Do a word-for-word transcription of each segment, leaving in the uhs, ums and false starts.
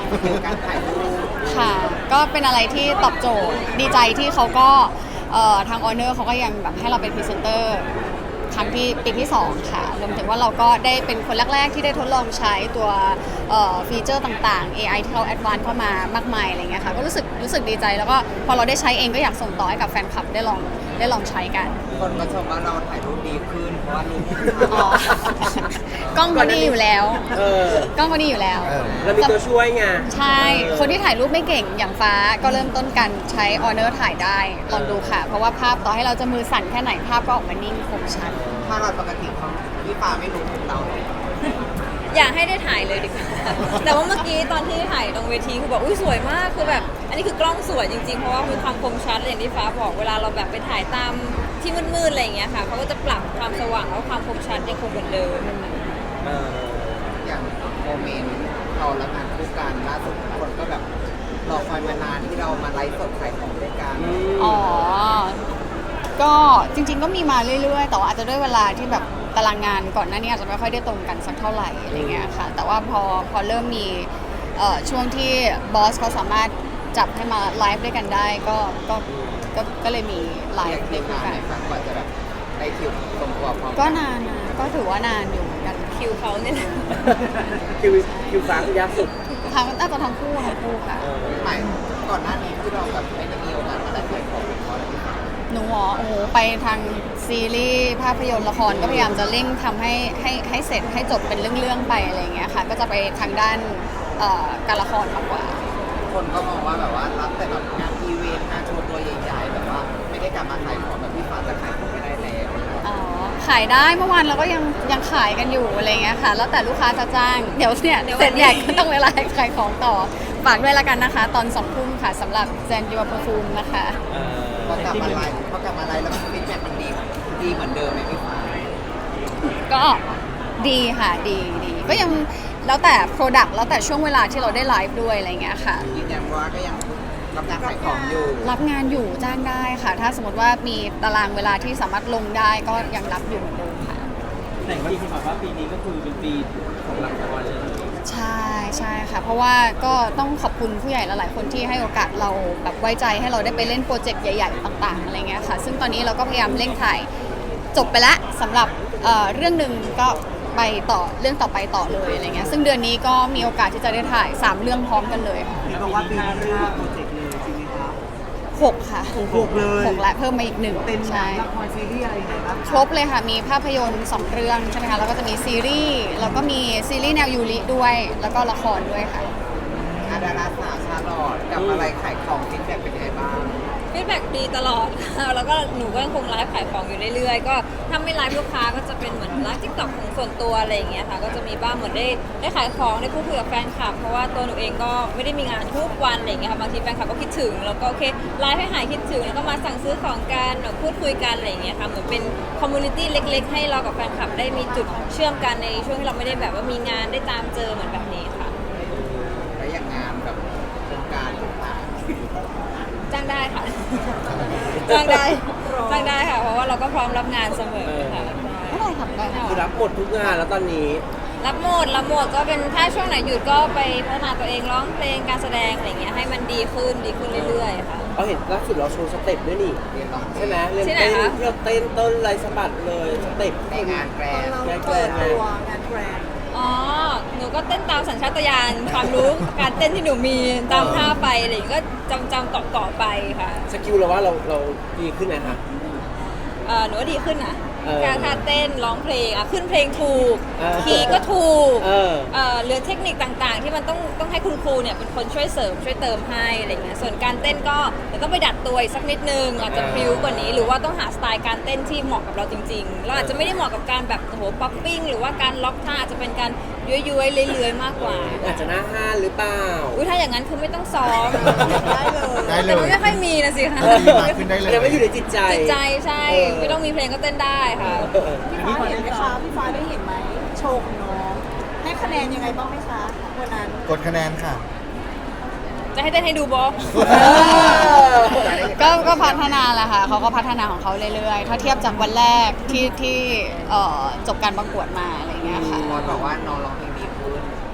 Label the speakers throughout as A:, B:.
A: เกี่ยวกับการถ่ายรูป
B: ค่ะก็เป็นอะไรที่ตอบโจทย์ดีใจที่เขาก็เอ่อทางออเนอร์เขาก็ยังแบบให้เราเป็นพรีเซนเตอร์ครั้งที่ปีที่สองค่ะรวมถึงว่าเราก็ได้เป็นคนแรกๆที่ได้ทดลองใช้ตัวเอ่อฟีเจอร์ต่างๆ เอ ไอ ที่เขาแอดวานซ์เข้ามามากมายอะไรเงี้ยค่ะก็รู้สึกรู้สึกดีใจแล้วก็พอเราได้ใช้เองก็อยากส่งต่อให้กับแฟนคลับได้ลองได้ลองใช้กัน
A: คนก็ชมว่าเราถ่ายรูปดีขึ้นเพราะว่ารูป
B: อ๋อกล้องก็ดีอยู่แล้ว
C: เออก
B: ล้องก็ดีอยู่แล้ว
C: แล้วมีตัวช่วยไง
B: ใช่ คนที่ถ่ายรูปไม่เก่งอย่างฟ้าก็เริ่มต้นกันใช้ออเนอร์ถ่ายได้ลองดูค่ะ เพราะว่าภาพต่อให้เราจะมือสั่นแค่ไหนภาพก็ออกมานิ่งคมชัด
A: ถ้าเราปกติเขาพี่ฟ้าไม่รู้ของเราเลย
D: อยากให้ได้ถ่ายเลยดีกว่า แต่ว่าเมื่อกี้ตอนที่ถ่ายตรงเวทีคือบอกอุ้ยสวยมากคือแบบอันนี้คือกล้องสวยจริงๆเพราะว่ามีความคมชัดเลยอย่างที่ฟ้าบอกเวลาเราแบบไปถ่ายตามที่มืดๆอะไรอย่างเงี้ยค่ะเขาก็จะปรับความสว่างแล้วความคมชัดยังคงเหมือนเดิม
C: เออ
A: อย่างโมเมนต์เราและงานคู่กันล่าสุดคนก็แบบรอคอยมานานที่เรามาไลฟ์สดขายของด้วยกัน
B: อ๋อ ก็จริงๆก็มีมาเรื่อยๆ แต่ว่าอาจจะด้วยเวลาที่แบบตารางงานก่อนหน้านี้อาจจะไม่ค่อยได้ตรงกันสักเท่าไหร่อะไรเงี้ยค่ะ แต่ว่าพอพอเริ่มมีเอ่อช่วงที่บอสเขาสามารถจับให้มาไลฟ์ด้วยกันได้ก็ก็ก็ก็เลยมีไล
A: อยาก
B: ฟ์
A: คิ
B: ด้วย
A: วนาน
B: กัน
A: ในฝันกว่าจะแบบได้คิวตรงตัวพร้อม
B: ก็นานนะก็ถือว่านานอยู่เหมือนกัน
D: คิวเขาเนี่ยแหละ
C: คิวคิวฟ้าคือยากสุด
B: ทั้งน่าจะทั้งคู่ทั้งคู่ค่ะ
C: เออ
A: ใหม่ก่อนหน้านี้ที่เราแบบไม่ได้มีโอกาสมาได้ขายของเพราะอะไรพี่ฟ้า
B: หนูอ๋อโอ้โหไปทางซีรีส์ภาพยนตร์ละครก็พยายามจะเร่งทำให้ให้ให้เสร็จให้จบเป็นเรื่องๆไปอะไรอย่างเงี้ยค่ะ ก็จะไปทางด้านเอ่อการละครมากกว่า
A: คนก็มองว่าแบบว่ารับแต่แบบงานอีเวนต์งานโชว์ตัวใหญ่ๆแบบว่าไม่ได้กลับมาขายของแบบพี่ฟ้าจะขายของไม่ได้แล้ว
B: อ๋อขายได้เมื่อวานเราก็ยังยังขายกันอยู่อะไรเงี้ยค่ะ แล้วแต่ลูกค้าจะจ้าง เดี๋ยวเนี่ยเสร็จใหญ่ก็ต้องเวลาขายของต่อฝากด้วยละกันนะคะ ตอนสองทุ่มค่ะสำหรับแซนยูอัปฟูมนะคะ
C: เออ
A: พอกลับมาไลฟ์พอกลับมาไลฟ์แล้วฟีดแบ็กมันดีดีเหมือนเดิมไหมพี่ฟ้า
B: ก็ดีค่ะดีดีก็ยังแล้วแต่ Product แล้วแต่ช่วงเวลาที่เราได้ไลฟ์ด้วยอะไรเงี้ยค่ะ
A: ยืนยันว่าก็ยังรับงานขายของอยู่
B: รับงานอยู่จ้างได้ค่ะ ถ้าสมมติว่ามีตารางเวลาที่สามารถลงได้ก็ยังรับอยู่เหมือนเดิมค่ะ
E: แต่จริงๆแบบว่าปีนี้ก็คือเป็นปีของละครเลย
B: ใช่ใช่ค่ะ เพราะว่าก็ต้องขอบคุณผู้ใหญ่หลายๆคนที่ให้โอกาสเราแบบไว้ใจให้เราได้ไปเล่นโปรเจกต์ใหญ่ๆต่างๆอะไรเงี้ยค่ะ ซึ่งตอนนี้เราก็พยายามเร่งถ่ายจบไปแล้วสำหรับเอ่อเรื่องหนึ่งก็ไปต่อเรื่องต่อไปต่อเลยอะไรเงี้ยซึ่งเดือนนี้ก็มีโอกาสที่จะได้ถ่ายสามเรื่องพร้อมกันเลยค่ะ
E: เห็นบอกว่าปีนี้ห้าโปรเจกต์เลยจริงไหมครับ
B: หกค่ะ
E: หกเลย
B: หกและเพิ่มมาอีกหนึ่ง
E: เป็น
B: ใช่
E: ละครซีรีส์อะไรยังไงบ้าง
B: ครบเลยค่ะ มีภาพยนตร์สองเรื่องใช่ไหมคะ แล้วก็จะมีซีรีส์ แล้วก็มีซีรีส์แนวยูริด้วย แล้วก็ละครด้วยค่ะ
A: อาดาราสาวชาลอดกับอะไรขายของฟีดแบ็กเป็นยังไงบ้าง
D: ฟีดแบ็กดีตลอด แล้วก็หนูก็ยังคงไลฟ์ขายของอยู่เรื่อยๆ ก็ถ้าไม่ไลฟ์ลูกค้าก็จะเป็นเหมือนไลฟ์ทิกตอกของส่วนตัวอะไรอย่างเงี้ยค่ะ ก็จะมีบ้างเหมือนได้ได้ขายของได้พูดคุยกับแฟนคลับ เพราะว่าตัวหนูเองก็ไม่ได้มีงานทุกวันอะไรอย่างเงี้ยค่ะ บางทีแฟนคลับก็คิดถึง แล้วก็โอเคไลฟ์ให้หายคิดถึง แล้วก็มาสั่งซื้อของกันหรือพูดคุยกันอะไรอย่างเงี้ยค่ะ เหมือนเป็นคอมมูนิตี้เล็กๆ ให้เรากับแฟนคลับได้มีจุดเชื่อมกันในช่วงที่เราไม่ได้แบบว่ามีงานได้ตามเจอเหมือนแบบนี้ค่ะ
A: และอย่างงานแบบโครงการต่าง
D: จ้างได้ค่ะ จ้างได้ จ้างได้ค่ะ เพราะว่าเราก็พร้อมรับงานเสมอค่ะ
B: ไม่ได้ทำได้ค่ะ
C: คือรับหมดทุกงานแล้วตอนนี้
D: รับหมด รับหมดก็เป็นถ้าช่วงไหนหยุดก็ไปพัฒนาตัวเองร้องเพลงการแสดงอะไรอย่างเงี้ยให้มันดีขึ้นดีขึ้นเรื่อยๆค่ะ
C: เราเห็นล่าสุดเราโชว์สเต็ปด้วยนี่
A: ๆเรียนร้องเพล
C: ใช่
A: ง
C: ไหมเรียน
D: ที่ไหน
C: เต้น
D: คะ
C: เรียนเต้นต้นไรสะบัดเลยสเต็ป
A: ในงานแกรนด์
C: แกล้งแกล้งไง
D: อ๋อ หนูก็เต้นตามสัญชาตญาณความรู้การเต้นที่หนูมีตามท่าไปอะไรอย่างเงี้ยก็จำจำเกาะเกาะๆไปค่ะ
C: สกิลเราว่าเราเราดีขึ้นไหมคะ
D: เอ่อหนูว่าดีขึ้นนะ
C: เออ
D: การท่าเต้นร้องเพลงอ่ะขึ้นเพลงถูก
C: เออ
D: คีย์ก็ถูก
C: เออ
D: เอ่อเหลือเทคนิคต่างๆ ที่มันต้องต้องให้คุณครูเนี่ยเป็นคนช่วยเสริมช่วยเติมให้อะไรเงี้ยส่วนการเต้นก็เดี๋ยวต้องไปดัดตัวอีกสักนิดนึงอาจจะพริ้วกว่านี้ หรือว่าต้องหาสไตล์การเต้นที่เหมาะกับเราจริงๆเราอาจจะไม่ได้เหมาะกับการแบบโอ้โหป๊อปปิ้งหรือว่าการล็อกท่าอาจจะเป็นการย้วยๆเลื้อยๆมากกว่า
C: อาจจะหน้าห้านหรือเปล่า
D: อุ้ยถ้าอย่างนั้นคือไม่ต้องซ้อม
F: ได้เลย
A: ได้เล
D: แต่มัน
A: ย
D: ไม่ค่อยมีนะสิคะ
A: ดีมากขึ้นได้เลย
C: ยังไม่อยู่ในจิตใจ
D: จิตใจใช่
C: เออ
D: ไม่ต้องมีเพลงก็เต้นได้ค่ะ
C: เออ
F: พี่ฟ้าเห็นไหมคะพี่ฟ้าได้เห็นไหมโชว์ของน้องให้คะแนนยังไงบ้างไหมคะวันนั้น
A: กดคะแนนค่ะ
D: จะให้เต้นให้ดูบอ
B: ก็ก็พัฒนาแหละค่ะเขาก็พัฒนาของเขาเรื่อยๆ ถ้าเทียบจากวันแรกที่ที่เอ่อจบการประกวดมาอะไรเงี้ยค่ะ
A: บอสบอกว่าน้องร้องเพลงดีขึ้น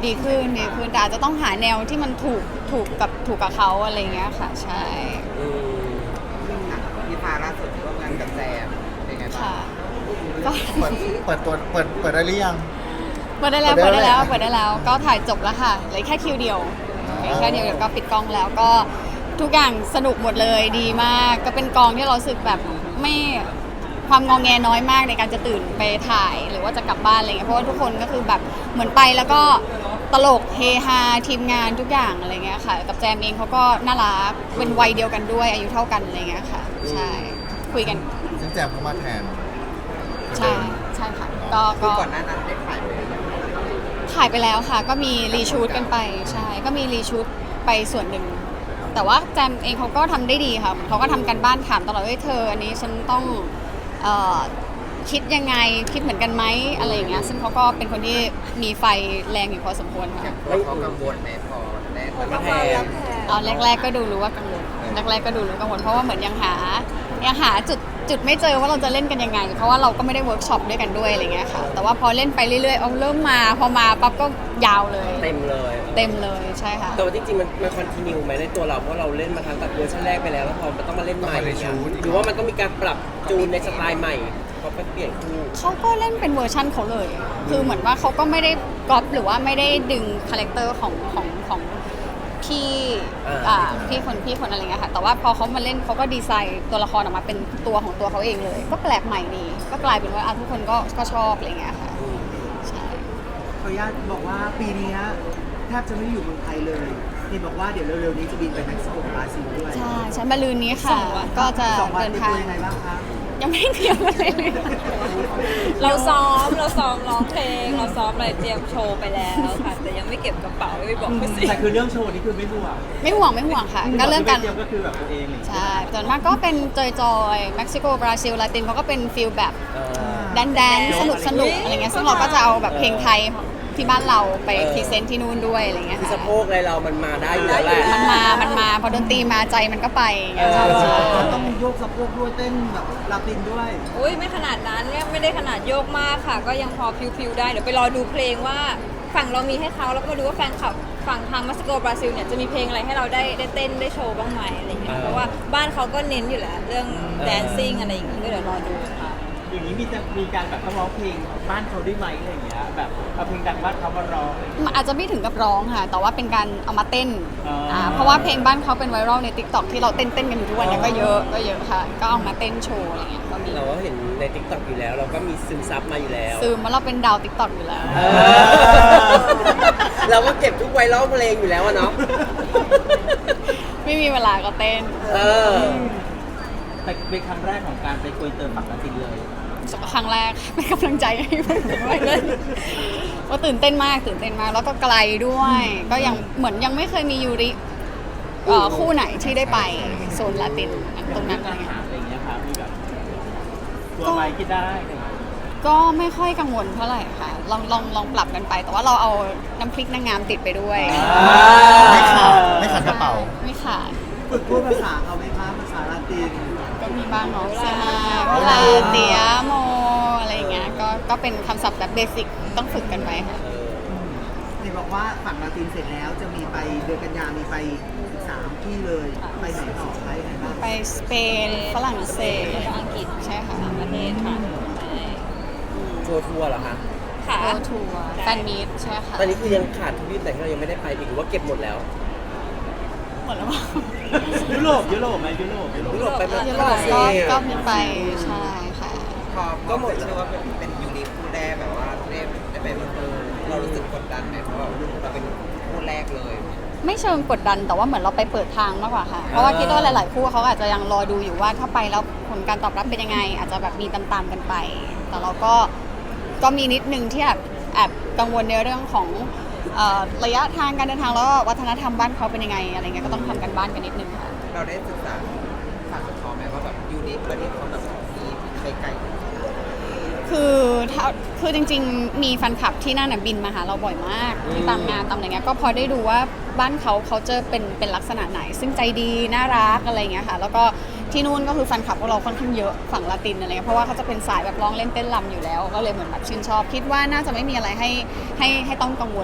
B: ดีขึ้นดีขึ้นแต่อาจจะต้องหาแนวที่มันถูกถูกกับถูกกับเขาอะไรเงี้ยค่ะใช่
C: อืม
A: อ่ะพี่ฟ้าล่าสุดร่วมงานกับแจมเป็นไงบ้าง
B: ค่ะก็
G: เปิดเปิดตัวเปิดเปิดได้หรือยัง
B: เปิดได้แล้ว
G: เปิ
B: เปิ
G: ด
B: ด
G: ได้
B: ได้
G: แล้
B: แล้ว วเปิดได้แล้วก็ถ่ายจบแล้วค่ะเหลือแค่คิวเดียวเหลือแค่เดียวเดี๋ยวก็ปิดกล้องแล้วก็ทุกอย่างสนุกหมดเลยดีมากก็เป็นกองที่เรารู้สึกแบบไม่ความงองแงน้อยมากในการจะตื่นไปถ่ายหรือว่าจะกลับบ้านอะไรเงี้ยเพราะว่าทุกคนก็คือแบบเหมือนไปแล้วก็ตลกเฮฮาทีมงานทุกอย่างอะไรเงี้ยค่ะกับแจมเองเขาก็น่ารักเป็นวัยเดียวกันด้วยอายุเท่ากันอะไรเงี้ยค่ะใช่คุยกัน
G: ซึ่งแจมเข้ามาแทน
B: ใช่ใช่ค่ะก็
A: คือ
B: ก็
A: ก่อนหน้านั้นได้ถ่ายไปแล้ว
B: ถ่ายไปแล้วค่ะ ก็มีรีชูตกันไปใช่ก็มีรีชูตไปส่วนหนึ่งแต่ว่าแจมเองเขาก็ทำได้ดีค่ะเขาก็ทำกันบ้านถามตลอดว่าเธออันนี้ฉันต้องเอ่อคิดยังไงคิดเหมือนกันไหมอะไรอย่างเงี้ยซึ่งเขาก็เป็นคนที่มีไฟแรงอยู่พอสมควรค่ะ
A: แล้วเขากังวลไหมพอแรก
C: มาแทน
B: ตอนแรก ๆ ก็ดูรู้ว่ากังวลแรกๆก็ดูรู้กังวลเพราะว่าเหมือนยังหายังหาจุดจุดไม่เจอว่าเราจะเล่นกันยังไง เพราะว่าเราก็ไม่ได้เวิร์กช็อปด้วยกันด้วยอะไรเงี้ยค่ะแต่ว่าพอเล่นไปเรื่อยๆเอาเริ่มมาพอมาปั๊บก็ยาวเลย
C: เต็มเลย
B: เต็มเลยใช่ค่ะ
C: แต่ว่าจริงๆมันมันคอนติเนียไหมในตัวเราเพราะเราเล่นมาทางแบบเวอร์ชันแรกไปแล้วแล้วพอมันต้องมาเล่นใหม่เนี่ยหรือว่ามันต้องมีการปรับจูนในสไตล์ใหม่เพราะมันเปลี่ยนคู่
B: เขาก็เล่นเป็นเวอร์ชั่นเขาเลย คือเหมือนว่าเขาก็ไม่ได้ก๊อปหรือว่าไม่ได้ดึงคาแรคเตอร์ของของของพี่
C: อ่า
B: อ่าพี่คนพี่คนอะไรเงี้ยค่ะ แต่ว่าพอเขามาเล่นเขาก็ดีไซน์ตัวละครออกมาเป็นตัวของตัวเขาเองเลย ก็แปลกใหม่ดี ก็กลายเป็นว่าอ่ะทุกคนก็ก็ชอบอะไรเงี้ยค่ะ ใช่
H: ขออนุญาตบอกว่าปีนี้แทบจะไม่ได้อยู่เมืองไทยเลยเห็นบอกว่าเดี๋ยวเร็วๆนี้จะบินไปเม็กซิโกบราซิลด้วย
B: ใช่ใช่มาลืนนี้ค่ะ ก็จะ
H: สองวัน
B: เดิน
H: เป็น
B: ทา
H: ตัว
B: ง
H: ยังไงบ้างคะ
B: ยังไม่เตรียมอะไรเลย
D: เราซ้อมเราซ้อมร้องเพลง เราซ้อมอะไรเตรียมโชว์ไปแล้วค่ะ แต่ยังไม่เก็บกระเป๋าไม่บอกเขาสิ
E: แต่คือเรื่องโชว์นี่คือไม่ห่วง
B: ไม่ห่วงไม่ห่วงค่ะ ก็เรื่องการ
E: เดียวก็คือแบบตัวเองเลย
B: ใช่ส่วนมากก็เป็นจอยจอยๆเม็กซิโกบราซิลลาตินเขาก็เป็นฟิลแบบ
C: เออ
B: แดนแดนสนุกสนุกอะไรเงี้ยซึ่งเราก็จะเอาแบบเพลงไทยที่บ้านเราไป
C: เออ
B: พรีเซนต์ที่นู่นด้วยอะไรเงี้ย
C: คือ
B: ค่ะ
C: สะโพกอะไรเรามันมาได้อยู่แล้วแหละ
B: มันมา มันมา พอดนตรีมาใจมันก็ไปอย่างเงี้ย
C: เออ
B: ใช่
H: มันต้องโยกสะโพกด้วยเต้นแบบลาตินด้วย
D: อุ้ยไม่ขนาดนั้นเนี่ยไม่ได้ขนาดโยกมากค่ะ ก็ยังพอพิวๆได้ เดี๋ยวไปรอดูเพลงว่าฝั่งเรามีให้เขาแล้วก็มาดูว่าแฟนคลับฝั่งทางเม็กซิโกบราซิลเนี่ยจะมีเพลงอะไรให้เราได้ได้เต้นได้โชว์บ้างไหมอะไรอย่างเงี้ยเพราะว่าบ้านเขาก็เน้นอยู่แล้วเรื่องแดนซิ่งอะไรอย่างงี้ก็เดี๋ยวรอดูค่ะ
E: อย่างนี้มีจะมีการแบบต้องร้องเพลงบ้านเขาได้ไหมอะไรอย่างเงี้ยแบบเอาเพลงดังบ้านเขามาร้องอะไรอย่างเงี้ย
B: มันอาจจะไม่ถึงกับร้องค่ะ แต่ว่าเป็นการเอามาเต้น
E: อ๋ออ่
B: อ่าเพราะว่าเพลงบ้านเขาเป็นไวรัลใน ติ๊กต็อก ที่เราเต้นเต้นๆกันอยู่ทุกวันเนี้ก็เยอะ ก็เยอะค่ะ ก็เอามาเต้นโชว์อะไรเงี้ย ก็มี
C: เราก็เห็นใน ติ๊กต็อก อยู่แล้ว เราก็มีซึมซับมาอยู่แล้ว
B: ซึมว่าเราเป็นดาว ติ๊กต็อก อยู่แล้ว
C: เออเราก็เก็บทุกไวรัลเพลงอยู่แล้วอะเนาะ
B: ไม่มีเวลาก็เต้น
C: เออ
E: แต่เป็นครั้งแรกของการไปคุยเติมปักกระตินเลย
B: ครั้งแรก เป็นกำลังใจให้เพื่อนด้วยว่าตื่นเต้นมากตื่นเต้นมากแล้วก็ไกลด้วย ก็ยังเหมือนยังไม่เคยมียูริเอ่อคู่ไหนที่ได้ไปโซนลาตินตรงนั้นอะไร
E: อา
B: เงี้ย
E: หารอะไรอย่างเงี้ยครับมีแบบตัวไม้คิดได้อะไรอย่างเงี้ย
B: ก็ไม่ค่อยกังวลเท่าไหร่ค่ะ ลองลองลองปรับกันไป แต่ว่าเราเอาน้ำพริกนางงามติดไปด้วย
G: ไม่ขาดไม่ขาดกระเป๋า
B: ไม่ขาด
H: ฝึกพูดภาษาเขาไหมคะภาษาลาติน
B: ก็มีบ้างเนาะเซมาเวลาเตียโมอะไรอย่างเงี้ยก็ก็เป็นคำศัพท์แบบเบสิกต้องฝึกกันไปค่ะ
H: เห็นบอกว่าฝั่งลาตินเสร็จแล้วจะมีไปเดือนกันยามีไปสามที่เลยไปไหนต่อไปไหนบ้าง
B: ไปสเปนฝรั่งเศส
D: แล้วก็อังกฤษ
B: ใช่ค่ะ
D: สามประเทศค่ะใช่
C: โชว์ทัวร์เหรอคะ
D: ค่ะ
B: โรทัวร์แฟนมีตใช่ค่ะ
C: ตอนนี้คือยังขาดทวีปไหนที่เรายังไม่ได้ไปอีกหรือว่าเก็บหมดแล้ว
B: หมดแล้วมั้ง
E: ยุโรปยุโรปไหมยุโรปยุโรป
C: ยุโรปไปมา
B: ยุโรปก็ก็มีไปใช่ค่ะ
A: พอก็หมดเชื่อว่าเป็นเป็นยูนิคคู่แรกแบบว่าได้ได้ไปเออเรารู้สึกกดดันไหมเพราะว่าเราเป็นคู่แรกเลย
B: ไม่เชิงกดดันแต่ว่าเหมือนเราไปเปิดทางมากกว่าค่ะ เพราะว่าคิดว่าหลาย ๆ คู่เขาอาจจะยังรอดูอยู่ว่าถ้าไปแล้วผลการตอบรับเป็นยังไง อาจจะแบบมีตามๆกันไป แต่เราก็ก็มีนิดนึงที่แอบแอบกังวลในเรื่องของเอ่อระยะทางการเดินทางแล้วก็วัฒนธรรมบ้านเขาเป็นยังไงอะไรเงี้ยก็ต้องทำกันบ้านกันนิดนึงค่ะ
A: เราได้ศึกษาผ่านจากเขาไหมว่าแบบยูนิคประเทศเขาแบบมีไกลๆ
B: คือถ้าคือจริงๆ มีแฟนคลับที่นั่นน่ะบินมาหาเราบ่อยมากที่ตามงานตามอะไรเงี้ยก็พอได้ดูว่าบ้านเขาเขาจะเป็นเป็นลักษณะไหน ซึ่งใจดีน่ารักอะไรเงี้ยค่ะแล้วก็ที่นู่นก็คือแฟนคลับของเราค่อนข้างเยอะฝั่งละตินอะไรเงี้ยเพราะว่าเขาจะเป็นสายแบบร้องเล่นเต้นรำอยู่แล้ว ก็เลยเหมือนแบบชื่นชอบคิดว่าน่าจะไม่มีอะไรให้ให้ให้ต้องกังวล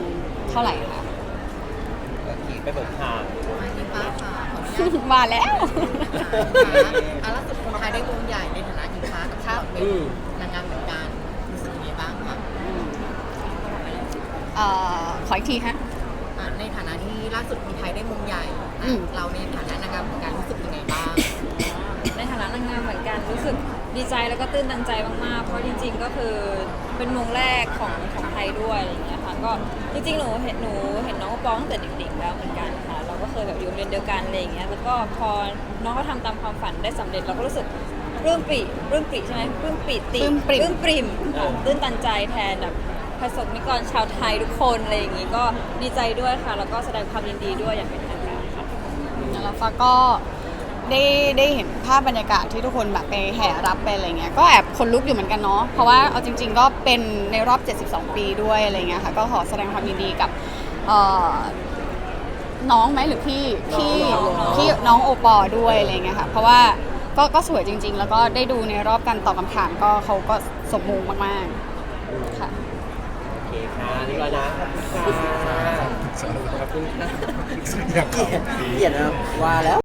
B: เท่าไหร่ค่ะ
C: ไปเบิกทาง
A: ที่ป้าค่ะ
B: มาแล้ว
A: อ่ะล่าสุดคนไทยได้วงใหญ่ในฐานะหญิงฟ้ากับชาติเป็น
C: อืม
A: นางงามเหมือนกันรู้สึกยังไงบ้างคะ
B: เอ่อขออีกทีฮะ
A: อ่ะในฐานะที่ล่าสุดคนไทยได้วงใหญ่
B: อืม
A: เราในฐานะนางงามเหมือนกันรู้สึกยังไงบ้าง
D: ในฐานะนางงามเหมือนกันรู้สึกดีใจแล้วก็ตื้นตันใจมากๆ เพราะจริง ๆ ก็คือเป็นมงแรกของของไทยด้วยอะไรอย่างเงี้ยค่ะก็จริงๆหนูเห็นหนูเห็นน้องปองตั้งแต่เด็กๆแล้วเหมือนกันค่ะเราก็เคยแบบอยู่โรงเรียนเดียวกันอะไรอย่างเงี้ยแล้วก็พอน้องเขาทำตามความฝันได้สำเร็จเราก็รู้สึกปลื้มปริ่มปลื้มปริ่มใช่ไหมปลื้มปริ่มติ
B: ปลื้มปริ่ม
D: ปลื้มปริ่มค่ะตื้นตันใจแทนแบบประสบนิกรชาวไทยทุกคนอะไรอย่างงี้ก็ดีใจด้วยค่ะแล้วก็แสดงความยินดีด้วยอย่างเป็นทางการค่ะ
B: แล้วฟ้าก็ได้ได้เห็นภาพบรรยากาศที่ทุกคนแบบไปแห่รับไปอะไรเงี้ยก็แอบขนลุกอยู่เหมือนกันเนาะเพราะว่าเอาจริง ๆ ก็เป็นในรอบ เจ็ดสิบสอง ปีด้วยอะไรเงี้ยค่ะก็ขอแสดงความยินดีกับเอ่อน้องไหมหรือพี่พี่พี่น้องโอปอล์ด้วยอะไรเงี้ยค่ะเพราะว่าก็ก็สวยจริง ๆ แล้วก็ได้ดูในรอบการตอบคำถามก็เขาก็สมมงมากๆค่ะ
C: โอเคค่ะเรียบร้อยนะขอบคุณค่ะขอบคุณค่ะ
G: อยากขอ
C: เปลี่ยนนะว่าแล้ว